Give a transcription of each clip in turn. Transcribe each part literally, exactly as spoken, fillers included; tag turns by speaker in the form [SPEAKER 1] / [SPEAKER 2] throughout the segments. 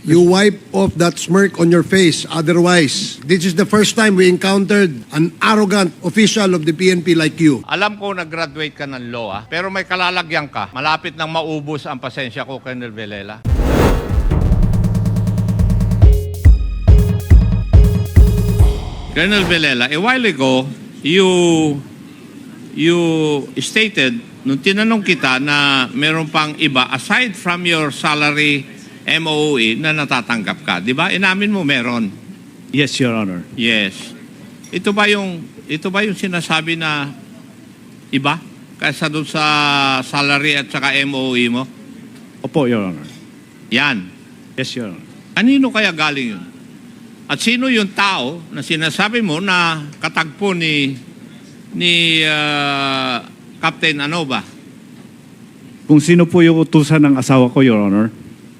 [SPEAKER 1] You wipe off that smirk on your face. Otherwise, this is the first time we encountered an arrogant official of the P N P like you.
[SPEAKER 2] Alam ko nag-graduate ka ng law, ah, pero may kalalagyan ka. Malapit nang maubos ang pasensya ko, Colonel Villela. Colonel Villela, a while ago, you you stated, nung tinanong kita na meron pang iba, aside from your salary M O O E, na natatanggap ka. Di ba? Inamin mo meron.
[SPEAKER 3] Yes, Your Honor.
[SPEAKER 2] Yes. Ito ba yung, ito ba yung sinasabi na iba? Kaysa doon sa salary at saka M O O E mo?
[SPEAKER 3] Opo, Your Honor.
[SPEAKER 2] Yan.
[SPEAKER 3] Yes, Your Honor.
[SPEAKER 2] Kanino kaya galing yun? At sino yung tao na sinasabi mo na katagpo ni ni uh, Captain ano ba?
[SPEAKER 3] Kung sino po yung utusan ng asawa ko, Your Honor?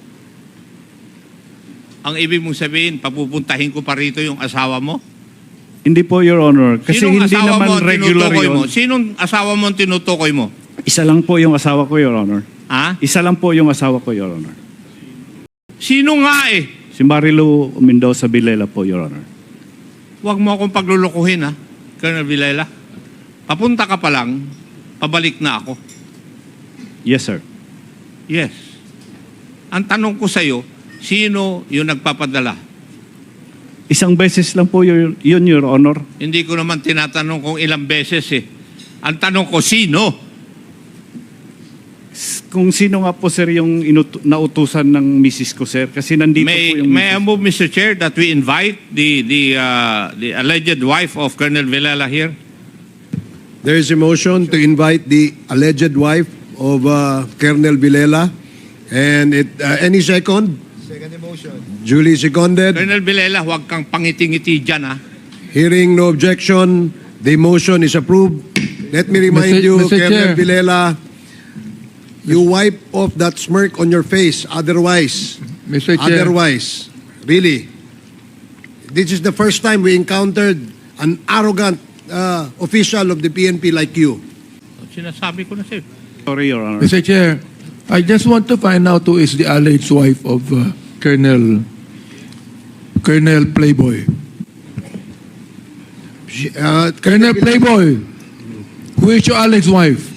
[SPEAKER 2] Ang ibig mong sabihin, papupuntahin ko pa rito yung asawa mo?
[SPEAKER 3] Hindi po, Your Honor. Kasi
[SPEAKER 2] Sinong
[SPEAKER 3] hindi
[SPEAKER 2] asawa
[SPEAKER 3] naman
[SPEAKER 2] mo ang
[SPEAKER 3] regular
[SPEAKER 2] tinutukoy
[SPEAKER 3] yun.
[SPEAKER 2] mo? Sinong asawa mo ang tinutukoy mo?
[SPEAKER 3] Isa lang po yung asawa ko, Your Honor.
[SPEAKER 2] Ha?
[SPEAKER 3] Isa lang po yung asawa ko, Your Honor.
[SPEAKER 2] Sino nga eh?
[SPEAKER 3] Si Marilu Mendoza Villela po, Your Honor.
[SPEAKER 2] Huwag mo akong paglulukuhin, ha, Colonel Villela. Papunta ka pa lang, pabalik na ako.
[SPEAKER 3] Yes, sir.
[SPEAKER 2] Yes. Ang tanong ko sa'yo, sino yung nagpapadala?
[SPEAKER 3] Isang beses lang po yun, yun, Your Honor.
[SPEAKER 2] Hindi ko naman tinatanong kung ilang beses eh. Ang tanong ko, sino?
[SPEAKER 3] Kung sino nga po, sir, yung inut- nautusan ng misis ko, sir. Kasi nandito
[SPEAKER 2] May,
[SPEAKER 3] po yung
[SPEAKER 2] may I
[SPEAKER 3] misis.
[SPEAKER 2] move, Mister Chair, that we invite the, the, uh, the alleged wife of Colonel Villela here?
[SPEAKER 1] There is a motion to invite the alleged wife of uh, Colonel Villela. And it, uh, any second?
[SPEAKER 4] Second motion.
[SPEAKER 1] Duly seconded.
[SPEAKER 2] Colonel Villela, huwag kang pangiti-ngiti dyan, ha?
[SPEAKER 1] Hearing no objection, the motion is approved. Let me remind
[SPEAKER 4] Mister
[SPEAKER 1] you,
[SPEAKER 4] Mister
[SPEAKER 1] Colonel
[SPEAKER 4] Chair.
[SPEAKER 1] Villela, you wipe off that smirk on your face. Otherwise,
[SPEAKER 4] Mister Chair.
[SPEAKER 1] otherwise, really, this is the first time we encountered an arrogant uh, official of the P N P like you.
[SPEAKER 2] Sinasabi ko na sa'yo.
[SPEAKER 3] Sorry, Your Honor.
[SPEAKER 4] Mister Chair, I just want to find out who is the alleged wife of uh, Colonel Colonel Playboy.
[SPEAKER 1] She- Uh,
[SPEAKER 4] Colonel Playboy, who is your alleged wife?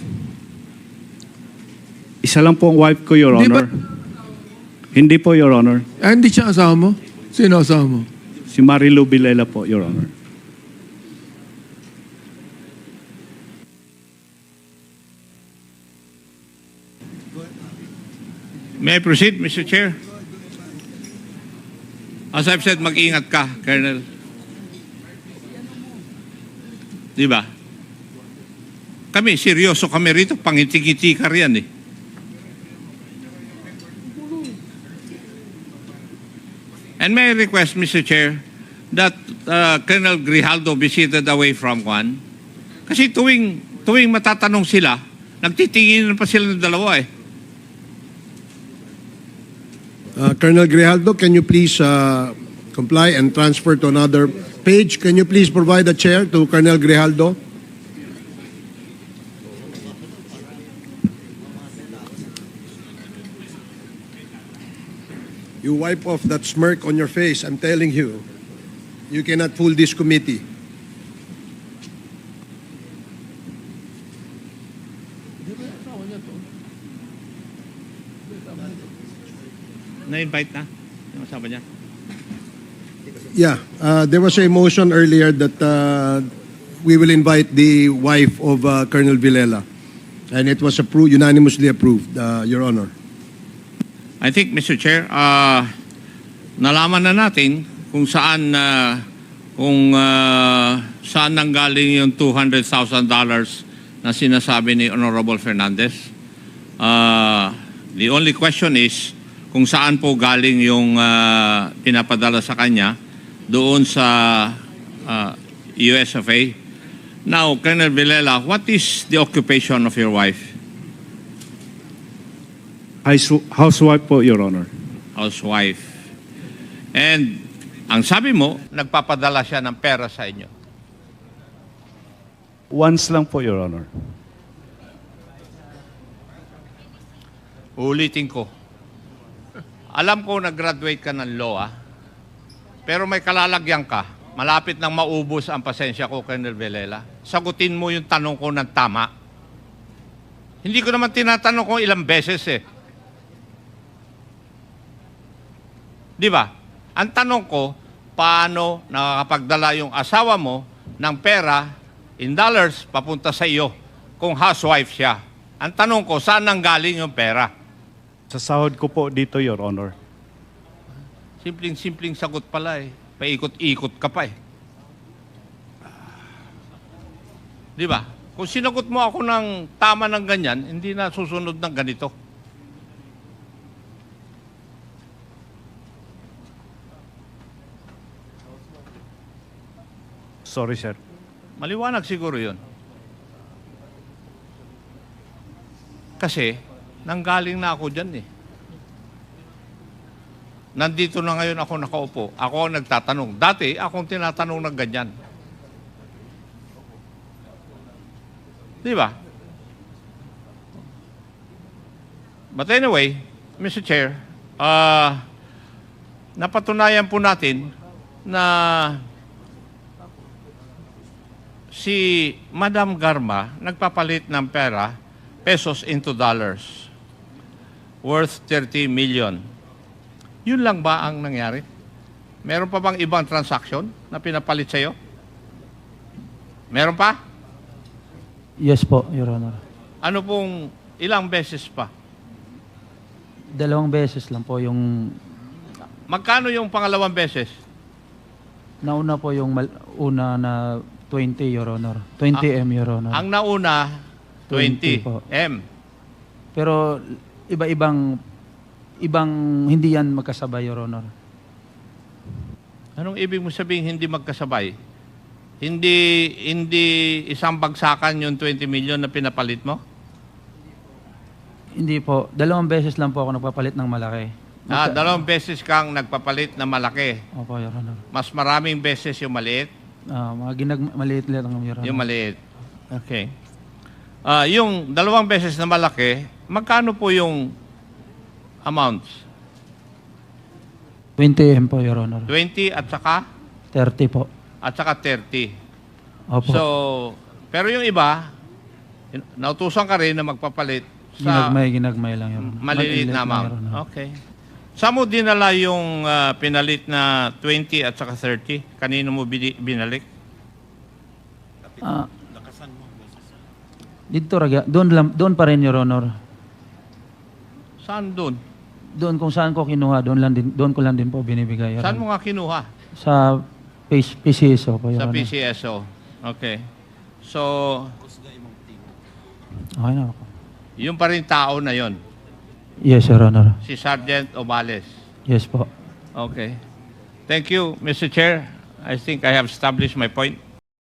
[SPEAKER 3] Isa lang po ang wife ko, Your
[SPEAKER 4] Hindi
[SPEAKER 3] Honor.
[SPEAKER 4] ba-
[SPEAKER 3] Hindi po, Your Honor.
[SPEAKER 4] Ah, hindi siya asawa mo? Sino asawa mo?
[SPEAKER 3] Si Marilu Villela po, Your Honor.
[SPEAKER 2] May I proceed, Mister Chair? As I've said, mag-ingat ka, Colonel. Di ba? Kami, seryoso kami rito. Pangiti-ngiti ka riyan eh. And may I request, Mister Chair, that uh, Colonel Grijaldo be seated away from Juan? Kasi tuwing, tuwing matatanong sila, nagtitingin pa sila ng dalawa eh.
[SPEAKER 1] Uh, Colonel Grijaldo, can you please uh, comply and transfer to another page? Can you please provide a chair to Colonel Grijaldo? You wipe off that smirk on your face. I'm telling you, you cannot fool this committee.
[SPEAKER 2] Na-invite na? Yung asawa niya?
[SPEAKER 1] Yeah, uh, there was a motion earlier that uh, we will invite the wife of uh, Colonel Villela. And it was approved, unanimously approved, uh, Your Honor.
[SPEAKER 2] I think, Mister Chair, uh, nalaman na natin kung saan uh, kung uh, saan nanggaling yung two hundred thousand dollars na sinasabi ni Honorable Fernandez. Uh, the only question is kung saan po galing yung uh, pinapadala sa kanya doon sa uh, U S F A. Now, Colonel Villela, what is the occupation of your wife?
[SPEAKER 3] House- Housewife po, Your Honor.
[SPEAKER 2] Housewife. And ang sabi mo, nagpapadala siya ng pera sa inyo.
[SPEAKER 3] Once lang po, Your Honor.
[SPEAKER 2] Uulitin ko. alam ko nag-graduate ka ng law, ah. Pero may kalalagyan ka. Malapit nang maubos ang pasensya ko, Colonel Villela. Sagutin mo yung tanong ko ng tama. Hindi ko naman tinatanong kung ilang beses eh. Di ba? Ang tanong ko, paano nakakapagdala yung asawa mo ng pera in dollars papunta sa iyo kung housewife siya? Ang tanong ko, saan nanggaling yung pera?
[SPEAKER 3] Sa sahod ko po dito, Your Honor.
[SPEAKER 2] Simpleng-simpleng sagot pala eh. Paikot-ikot ka pa eh. Di ba? Kung sinagot mo ako ng tama ng ganyan, hindi na susunod ng ganito.
[SPEAKER 3] Sorry, sir.
[SPEAKER 2] Maliwanag siguro yun. Kasi, nanggaling na ako dyan eh. Nandito na ngayon ako nakaupo. Ako ang nagtatanong. Dati, akong tinatanong ng ganyan. Di ba? But anyway, Mister Chair, uh, napatunayan po natin na si Madam Garma nagpapalit ng pera, pesos into dollars, worth thirty million. Yun lang ba ang nangyari? Meron pa bang ibang transaction na pinapalit sa'yo? Meron pa?
[SPEAKER 5] Yes po, Your Honor.
[SPEAKER 2] Ano pong ilang beses pa?
[SPEAKER 5] Dalawang beses lang po yung
[SPEAKER 2] Magkano yung pangalawang beses?
[SPEAKER 5] nauna po yung mal- una na twenty, Your Honor. twenty M, Your Honor.
[SPEAKER 2] Ang nauna, twenty
[SPEAKER 5] twenty po.
[SPEAKER 2] M.
[SPEAKER 5] Pero iba-ibang ibang hindi yan magkasabay, Your Honor.
[SPEAKER 2] Anong ibig mo sabihin hindi magkasabay? Hindi hindi isang bagsakan yung twenty million na pinapalit mo?
[SPEAKER 5] Hindi po. Dalawang beses lang po ako nagpapalit ng malaki.
[SPEAKER 2] Ah,
[SPEAKER 5] Magka-
[SPEAKER 2] dalawang beses kang nagpapalit na malaki.
[SPEAKER 5] Opo, Your Honor.
[SPEAKER 2] Mas maraming beses yung maliit,
[SPEAKER 5] Ah, mga ginag maliit lang, Your Honor.
[SPEAKER 2] yung maliit. Okay. Ah, yung dalawang beses na malaki, magkano po yung amounts?
[SPEAKER 5] twenty M po, Your Honor.
[SPEAKER 2] twenty at saka
[SPEAKER 5] thirty po.
[SPEAKER 2] at saka thirty.
[SPEAKER 5] Opo.
[SPEAKER 2] So, pero yung iba, in- nautusan ka rin na magpapalit sa
[SPEAKER 5] ginagmay, ginagmay lang, Your Honor.
[SPEAKER 2] maliliit na
[SPEAKER 5] lang,
[SPEAKER 2] amount.
[SPEAKER 5] Your Honor.
[SPEAKER 2] Okay. Saan mo dinala yung ah, pinalit na twenty at saka thirty? Kanino mo bini- binalik?
[SPEAKER 5] Ah, dito, Raga. Doon, lang, doon pa rin, Your Honor.
[SPEAKER 2] Saan doon?
[SPEAKER 5] Doon kung saan ko kinuha, doon lang din, doon ko lang din po binibigay. Your
[SPEAKER 2] Saan
[SPEAKER 5] Honor.
[SPEAKER 2] mo nga kinuha?
[SPEAKER 5] Sa P C S O po, Your
[SPEAKER 2] Sa
[SPEAKER 5] Honor.
[SPEAKER 2] P C S O. Okay. So,
[SPEAKER 5] Okay na ako.
[SPEAKER 2] yung pa rin tao na yon,
[SPEAKER 5] Yes, Your Honor.
[SPEAKER 2] si Sergeant Obales.
[SPEAKER 5] Yes po.
[SPEAKER 2] Okay. Thank you, Mister Chair. I think I have established my point.